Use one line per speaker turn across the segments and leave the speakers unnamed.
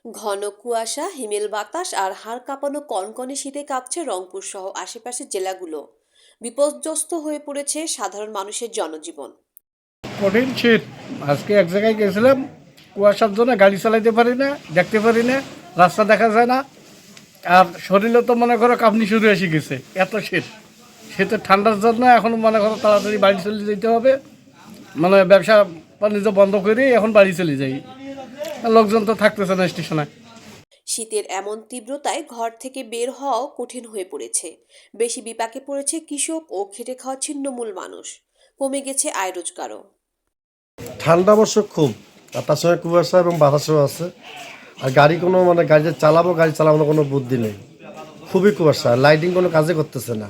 ঘন কুয়াশা, হিমেল বাতাস আর হাড় কাঁপানো কনকনে শীতে কাঁপছে রংপুর সহ আশেপাশের জেলাগুলো। বিপর্যস্ত হয়ে পড়েছে সাধারণ মানুষের জনজীবন।
কঠিন শীত। আজকে এক জায়গায় গেছিলাম, কুয়াশার জন্য গাড়ি চালাইতে পারি না, দেখতে পারি না, রাস্তা দেখা যায় না। আর শরীরে তো মনে করো কাঁপনি শুরু এসে গেছে, এত শীত। শীতের ঠান্ডার জন্য এখন মনে করো তাড়াতাড়ি বাড়ি চলে যেতে হবে। মানে ব্যবসা বাণিজ্য বন্ধ করে এখন বাড়ি চলে যাই। লোকজন তো থাকতেছে না স্টেশনে।
শীতের এমন তীব্রতায় ঘর থেকে বের হওয়াও কঠিন হয়ে পড়েছে। বেশি বিপাকে পড়েছে কৃষক ও খেটে খাওয়া ছিন্নমূল মানুষ। কমে গেছে আয় রোজগারও।
ঠান্ডা অবশ্য খুব, আর তার সঙ্গে কুয়াশা এবং বাতাসও আছে। আর গাড়ি গাড়ি চালাবো কোনো বুদ্ধি নেই। খুবই কুয়াশা, লাইটিং কোনো কাজে করতেছে না।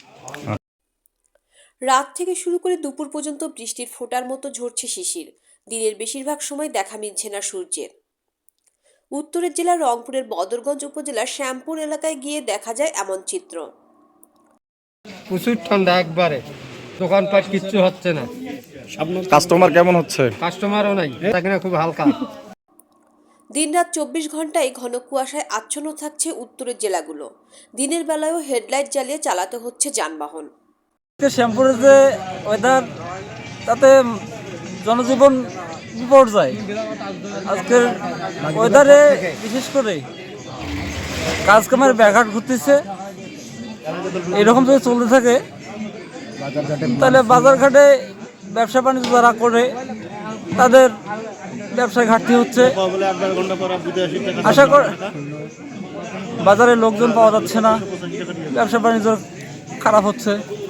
রাত থেকে শুরু করে দুপুর পর্যন্ত বৃষ্টির ফোঁটার মতো ঝরছে শিশির। দিনের বেশিরভাগ সময় দেখা মিলছে না সূর্যের। উত্তরের জেলার রংপুরের বদরগঞ্জ উপজেলার শ্যামপুর এলাকায় গিয়ে দেখা যায় এমন চিত্র।
প্রচুর ঠান্ডা একবারে, দোকানপাট কিচ্ছু হচ্ছে না।
কাস্টমার কেমন হচ্ছে?
কাস্টমারও নাই, এখানে খুব হালকা।
দিনরাত 24 ঘন্টায় ঘন কুয়াশায় আচ্ছন্ন থাকছে উত্তরের জেলাগুলো। দিনের বেলায়ও হেডলাইট জ্বালিয়ে চালাতে হচ্ছে যানবাহন।
শ্যামপুরের যে ওয়েদার, তাতে জনজীবন বিপর্যয়। আজকের ওয়েদারে বিশেষ করে কাজকামের ব্যাঘাত ঘটতেছে। এরকম যদি চলতে থাকে তাহলে বাজারঘাটে ব্যবসা বাণিজ্য যারা করে তাদের ব্যবসায় ঘাটতি হচ্ছে। আশা করি বাজারে লোকজন পাওয়া যাচ্ছে না, ব্যবসা বাণিজ্য খারাপ হচ্ছে।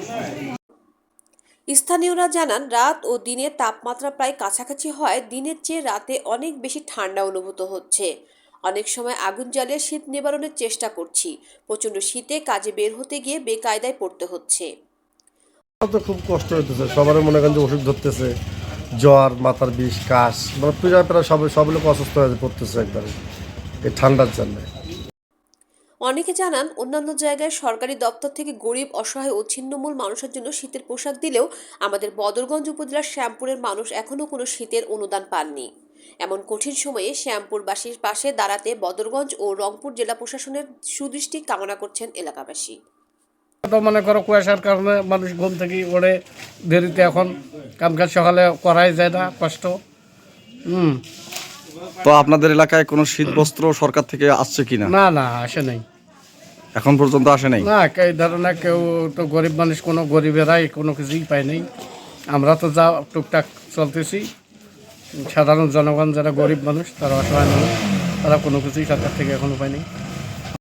স্থানীয়রা জানান, রাত ও দিনের তাপমাত্রা প্রায় কাছাকাছি হয়। দিনের চেয়ে রাতে অনেক বেশি ঠান্ডা অনুভূত হচ্ছে। অনেক সময় আগুন জ্বালিয়ে শীত নিবারণের চেষ্টা করছি। প্রচণ্ড শীতে কাজে বের হতে গিয়ে বেকায়দায় পড়তে হচ্ছে।
তো খুব কষ্ট হইতেছে, সবার মনে করেন যে ওষুধ ধরতেছে, জ্বর, মাথার বিষ, কাশ, প্রায় সব লোক অসুস্থ হয়ে পড়তেছে একবারে এই ঠান্ডার জন্য।
অনেকে জানান, অন্যান্য জায়গায় সরকারি দপ্তর থেকে গরিব, অসহায় ও ছিন্নমূল মানুষের জন্য শীতের পোশাক দিলেও আমাদের বদরগঞ্জ উপজেলার শ্যামপুরের মানুষ এখনও কোনো শীতের অনুদান পাননি। এমন কঠিন সময়ে শ্যামপুরবাসীর পাশে দাঁড়াতে বদরগঞ্জ ও রংপুর জেলা প্রশাসনের সুদৃষ্টি কামনা করছেন এলাকাবাসী।
তো মনে করো কুয়াশার কারণে মানুষ ঘুম থেকে ওড়ে দেরিতে, এখন কামকাজ সকালে করাই যায় না, কষ্ট।
তো আপনাদের এলাকায় কোনো শীত বস্ত্র সরকার থেকে আসছে কিনা?
না না, আসে নাই,
এখন পর্যন্ত আসে নাই।
না এই ধরনের কেউ তো, গরিব মানুষ কোনো গরিবেরাই কোনো কিছুই পায় নাই। আমরা তো যা টুকটাক চলতেছি, সাধারণ জনগণ যারা গরিব মানুষ, তারা অসহায় মানুষ, তারা কোনো কিছুই সরকার থেকে এখনো পায়নি।